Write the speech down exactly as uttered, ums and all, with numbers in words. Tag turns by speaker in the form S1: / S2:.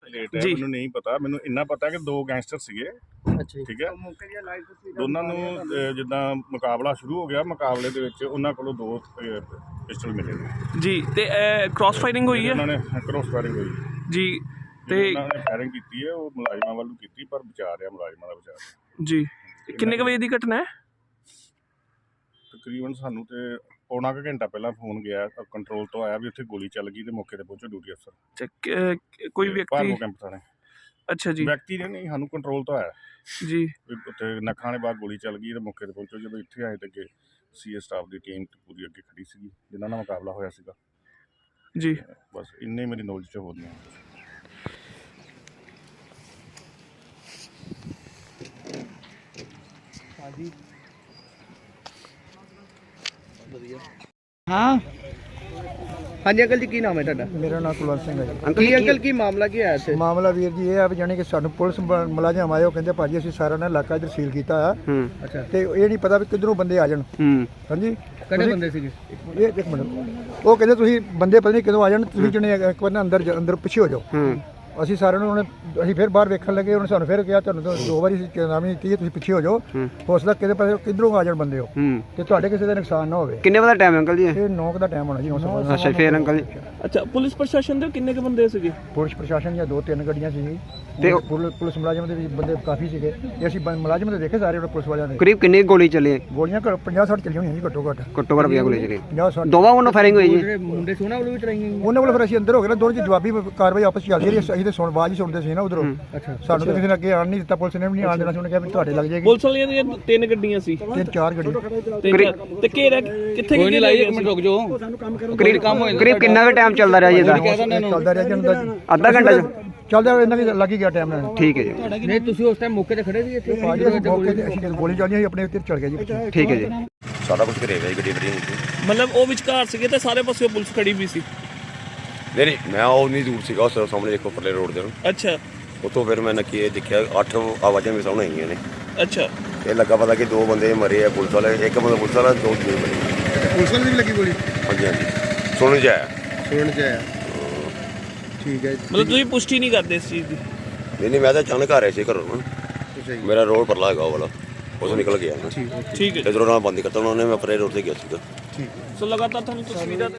S1: Late ਹੈ, ਮੈਨੂੰ ਨਹੀਂ ਪਤਾ। ਮੈਨੂੰ ਇੰਨਾ ਪਤਾ ਕਿ ਦੋ ਗੈਂਗਸਟਰ ਸੀਗੇ, ਠੀਕ ਹੈ। ਦੋਨਾਂ ਨੂੰ ਅਹ, ਜਿੱਦਾਂ ਮੁਕਾਬਲਾ ਸ਼ੁਰੂ ਹੋ ਗਿਆ, ਮੁਕਾਬਲੇ ਦੇ ਵਿੱਚ ਉਹਨਾਂ ਕੋਲੋਂ ਦੋ ਪਿਸਟਲ ਮਿਲੇ ਨੇ
S2: ਜੀ। ਤੇ ਕ੍ਰਾਸ ਫਾਇਰਿੰਗ ਹੋਈ ਹੈ?
S1: ਉਹਨਾਂ ਨੇ ਕ੍ਰਾਸ ਫਾਇਰਿੰਗ ਹੋਈ
S2: ਜੀ। ਤੇ
S1: ਉਹਨਾਂ ਨੇ ਫਾਇਰਿੰਗ ਕੀਤੀ ਹੈ, ਉਹ ਮੁਲਾਜ਼ਮਾਂ ਵੱਲੋਂ ਕੀਤੀ, ਪਰ ਬਚਾ ਰਿਹਾ ਮੁਲਾਜ਼ਮਾਂ ਦਾ ਬਚਾ ਰਿਹਾ।
S2: ਜੀ। ਕਿੰਨੇ ਕੁ ਵਜੇ ਦੀ ਘਟਨਾ ਹੈ?
S1: ਤਕਰੀਬਨ ਸਾਨੂੰ ਤੇ ਪੌਣਾ ਕੁ ਘੰਟਾ ਪਹਿਲਾਂ ਫੋਨ ਗਿਆ, ਕੰਟਰੋਲ ਤੋਂ ਆਇਆ ਵੀ ਉੱਥੇ ਗੋਲੀ ਚੱਲ ਗਈ ਤੇ ਮੌਕੇ ਤੇ ਪਹੁੰਚੋ ਡਿਊਟੀ ਅਫਸਰ।
S2: ਕੋਈ ਵਿਅਕਤੀ?
S1: ਕੈਂਪ ਥਾਣੇ।
S2: ਅੱਛਾ ਜੀ।
S1: ਵਿਅਕਤੀ ਨੇ ਨਹੀਂ, ਸਾਨੂੰ ਕੰਟਰੋਲ ਤੋਂ ਆਇਆ
S2: ਜੀ।
S1: ਉੱਥੇ ਨੱਖਾਂ ਦੇ ਬਾਅਦ ਗੋਲੀ ਚੱਲ ਗਈ ਤੇ ਮੌਕੇ ਤੇ ਪਹੁੰਚੋ। ਜਦੋਂ ਇੱਥੇ ਆਏ ਤੇ ਅੱਗੇ ਸੀ ਏ ਸਟਾਫ ਦੀ ਟੀਮ ਪੂਰੀ ਅੱਗੇ ਖੜੀ ਸੀਗੀ ਜਿਨ੍ਹਾਂ ਨਾਲ ਮੁਕਾਬਲਾ ਹੋਇਆ ਸੀਗਾ
S2: ਜੀ।
S1: ਬਸ ਇੰਨੇ ਮੇਰੀ ਨੌਲੇਜ 'ਚ ਹੋ ਗਈਆਂ।
S3: ਹਾਂਜੀ ਵਧੀਆ। ਹਾਂ ਹਾਂਜੀ ਅੰਕਲ ਜੀ, ਕੀ ਨਾਮ ਹੈ ਤੁਹਾਡਾ?
S4: ਮੇਰਾ ਨਾਮ ਕੁਲਵੰਤ ਸਿੰਘ ਹੈ ਜੀ।
S3: ਅੰਕਲ ਜੀ, ਅੰਕਲ ਕੀ ਮਾਮਲਾ ਕੀ ਹੋਇਆ ਇੱਥੇ?
S4: ਮਾਮਲਾ ਵੀਰ ਜੀ ਇਹ ਆ ਵੀ ਜਾਣੀ ਕਿ ਸਾਨੂੰ ਪੁਲਿਸ ਮ- ਮੁਲਾਜ਼ਮ ਆਏ, ਉਹ ਕਹਿੰਦੇ ਭਾਜੀ ਅਸੀਂ ਸਾਰਾ ਨਾ ਇਲਾਕਾ ਇੱਧਰ ਸੀਲ ਕੀਤਾ ਆ।
S3: ਅੱਛਾ।
S4: ਤੇ ਇਹ ਨਹੀਂ ਪਤਾ ਵੀ ਕਿੱਧਰੋਂ ਬੰਦੇ ਆ ਜਾਣ। ਹਾਂਜੀ।
S3: ਕਿਹੜੇ ਬੰਦੇ ਸੀਗੇ?
S4: ਇਹ ਇੱਕ ਮਿੰਟ, ਉਹ ਕਹਿੰਦੇ ਤੁਸੀਂ ਬੰਦੇ ਪਤਾ ਨਹੀਂ ਕਦੋਂ ਆ ਜਾਣ, ਤੁਸੀਂ ਜਣੇ ਇੱਕ ਵਾਰ ਨਾ ਅੰਦਰ ਜਾ- ਅੰਦਰ ਪਿੱਛੇ ਹੋ ਜਾਓ। ਅਸੀਂ ਸਾਰਿਆਂ ਨੂੰ ਉਹਨੇ ਅਸੀਂ ਫਿਰ ਬਾਹਰ ਵੇਖਣ ਲੱਗੇ, ਉਹਨੇ ਸਾਨੂੰ ਫਿਰ ਕਿਹਾ ਤੁਹਾਨੂੰ ਤਾਂ ਦੋ ਵਾਰੀ ਚੇਤਾਵਨੀ ਦਿੱਤੀ ਹੈ, ਤੁਸੀਂ ਪਿੱਛੇ ਹੋ ਜਾਓ, ਹੋ ਸਕਦਾ ਕਿਤੇ ਪਾਸੇ ਕਿੱਧਰੋਂ ਆ ਜਾਣ ਬੰਦੇ ਹੋ ਤੇ ਤੁਹਾਡੇ ਕਿਸੇ ਦਾ ਨੁਕਸਾਨ ਨਾ ਹੋਵੇ।
S5: ਕਿੰਨੇ ਵਜੇ ਦਾ ਟਾਈਮ ਅੰਕਲ ਜੀ?
S4: ਇਹ ਨੌ ਦਾ ਟਾਈਮ ਹੋਣਾ ਜੀ।
S5: ਅੱਛਾ, ਫੇਰ ਅੰਕਲ ਜੀ?
S2: ਅੱਛਾ, ਪੁਲਿਸ ਪ੍ਰਸ਼ਾਸਨ ਦੇ ਕਿੰਨੇ ਕੁ ਬੰਦੇ ਸੀਗੇ?
S4: ਪੁਲਿਸ ਪ੍ਰਸ਼ਾਸਨ ਦੀਆਂ ਦੋ ਤਿੰਨ ਗੱਡੀਆਂ ਸੀ
S5: ਤੇ
S4: ਪੁਲਿਸ ਪੁਲਿਸ ਮੁਲਾਜ਼ਮ ਦੇ ਵੀ ਬੰਦੇ ਕਾਫੀ ਸੀਗੇ ਤੇ ਅਸੀਂ ਬੰ- ਮੁਲਾਜ਼ਮ ਦੇ ਦੇਖੇ ਸਾਰੇ ਆਪਣੇ ਪੁਲਿਸ ਵਾਲਿਆਂ ਦੇ।
S5: ਕਰੀਬ ਕਿੰਨੀ ਗੋਲੀ ਚੱਲੀ?
S4: ਗੋਲੀਆਂ ਪੰਜਾਹ ਸੱਠ ਚੱਲੀਆਂ ਹੋਈਆਂ ਜੀ ਘੱਟੋ ਘੱਟ।
S5: ਘੱਟੋ ਘੱਟ ਪੰਜਾਹ ਗੋਲੀ ਚੱਲੀ।
S4: ਪੰਜਾਹ ਸੱਠ
S5: ਦੋਵਾਂ ਵੱਲੋਂ ਫਾਇਰਿੰਗ ਹੋਈ ਜੀ?
S3: ਮੁੰਡੇ ਸੋਨਾ ਵੱਲੋਂ ਵੀ ਚਲਾਈਆਂ?
S4: ਉਹਨਾਂ ਕੋਲ ਫਿਰ ਅਸੀਂ ਅੰਦਰ ਹੋ ਗਏ ਨਾ, ਦੋਨੋਂ ਚ ਜਵਾਬੀ ਕਾਰਵਾਈ ਆਪਸ ਚ ਚੱਲਦੀ ਰਹੀ। ਅਸੀਂ ਤੇ ਸੁਣ ਆਵਾਜ਼ ਹੀ ਸੁਣਦੇ ਸੀ ਨਾ ਉਧਰੋਂ।
S3: ਅੱਛਾ।
S4: ਸਾਨੂੰ ਤਾਂ ਕਿਸੇ ਨੇ ਅੱਗੇ ਆਣ ਨਹੀਂ ਦਿੱਤਾ, ਪੁਲਿਸ ਨੇ ਵੀ ਨਹੀਂ ਆਣ ਦੇਣਾ ਸੀ। ਉਹਨੇ ਕਿਹਾ ਵੀ ਤੁਹਾਡੇ ਲੱਗ ਜਾਏਗੀ।
S2: ਪੁਲਿਸ ਵਾਲੀਆਂ ਦੀਆਂ ਤਿੰਨ ਗੱਡੀਆਂ ਸੀ?
S4: ਤਿੰਨ ਚਾਰ ਗੱਡੀ।
S2: ਤੇ ਘੇਰਾ ਕਿੱਥੇ ਕਿੱਥੇ ਲਾਈ? ਇੱਕ ਮਿੰਟ ਰੁਕ ਜਾਓ।
S5: ਕਰੀਬ ਕਰੀਬ ਕਿੰਨਾ ਕੁ ਟਾਈਮ ਚੱਲਦਾ ਰਿਹਾ ਜੀ ਇਹਦਾ?
S4: ਚੱਲਦਾ ਰਿਹਾ ਜੀ ਉਹਨਾਂ ਦਾ
S5: ਅੱਧਾ ਘੰਟਾ ਜੀ?
S4: ਚੱਲਦਾ ਇਹਨਾਂ ਵੀ ਲੱਗ ਹੀ ਗਿਆ ਟਾਈਮ ਨਾਲ।
S5: ਠੀਕ ਹੈ ਜੀ।
S3: ਨਹੀਂ ਤੁਸੀਂ ਉਸ ਟਾਈਮ ਮੌਕੇ ਤੇ ਖੜੇ ਸੀ ਇੱਥੇ?
S4: ਭਾਜੀ ਅਸੀਂ ਮੌਕੇ ਤੇ ਅਸੀਂ ਗੋਲੀ ਚੱਲੀ ਸੀ ਆਪਣੇ ਉੱਤੇ ਚੜ ਗਿਆ ਜੀ।
S5: ਠੀਕ ਹੈ ਜੀ।
S6: ਸਾਰਾ ਕੁਝ ਘਰੇ ਹੋਇਆ ਗੱਡੀ ਗੱਡੀ ਨਹੀਂ
S2: ਮਤਲਬ ਉਹ ਵਿਚਕਾਰ ਸੀਗੇ ਤੇ ਸਾਰੇ ਪਾਸੇ ਪੁਲਿਸ ਖੜੀ ਵੀ ਸੀ?
S6: ਨਹੀਂ ਮੈਂ ਉਹ ਨਹੀਂ ਦੂਰ ਸੀਗਾ, ਉਸ ਸਾਹਮਣੇ ਦੇਖੋ ਪਰਲੇ ਰੋਡ ਦੇ।
S2: ਅੱਛਾ।
S6: ਉੱਥੋਂ ਫਿਰ ਮੈਂ ਨੱਕੀ ਇਹ ਦੇਖਿਆ ਅੱਠ ਆਵਾਜ਼ਾਂ ਵੀ ਸਾਹਮਣੇ ਆਈਆਂ ਨੇ।
S2: ਅੱਛਾ।
S6: ਇਹ ਲੱਗਾ ਪਤਾ ਕਿ ਦੋ ਬੰਦੇ ਮਰੇ ਆ ਪੁਲਿਸ ਵਾਲੇ, ਇੱਕ ਬੰਦਾ ਪੁਲਿਸ ਵਾਲਾ, ਦੋ ਦੂਜੇ ਮਰੇ।
S4: ਪੁਲਿਸ ਵਾਲੇ ਦੀ ਵੀ ਲੱਗੀ ਗੋਲੀ?
S6: ਹਾਂਜੀ ਹਾਂਜੀ ਸੁਣਨ 'ਚ ਆਇਆ।
S4: ਸੁਣਨ ਚ ਆਇਆ। ਠੀਕ ਹੈ।
S2: ਮਤਲਬ ਤੁਸੀਂ ਪੁਸ਼ਟੀ ਨਹੀਂ ਕਰਦੇ ਇਸ ਚੀਜ਼ ਦੀ?
S6: ਨਹੀਂ ਨਹੀਂ ਮੈਂ ਤਾਂ ਅਚਾਨਕ ਆ ਰਿਹਾ ਸੀ ਘਰੋਂ ਨਾ, ਮੇਰਾ ਰੋਡ ਪਰਲਾ ਹੈਗਾ ਉਹ ਵਾਲਾ, ਉਸ ਨਿਕਲ ਗਿਆ ਨਾ।
S2: ਠੀਕ ਹੈ।
S6: ਇਧਰੋਂ ਨਾਲ ਬੰਦ ਕਰਤਾ ਉਹਨਾਂ ਨੇ, ਮੈਂ ਪਰੇ ਰੋਡ ਤੇ ਗਿਆ ਸੀਗਾ।
S2: ਸੋ ਲਗਾਤਾਰ ਤੁਹਾਨੂੰ ਤਸਵੀਰਾਂ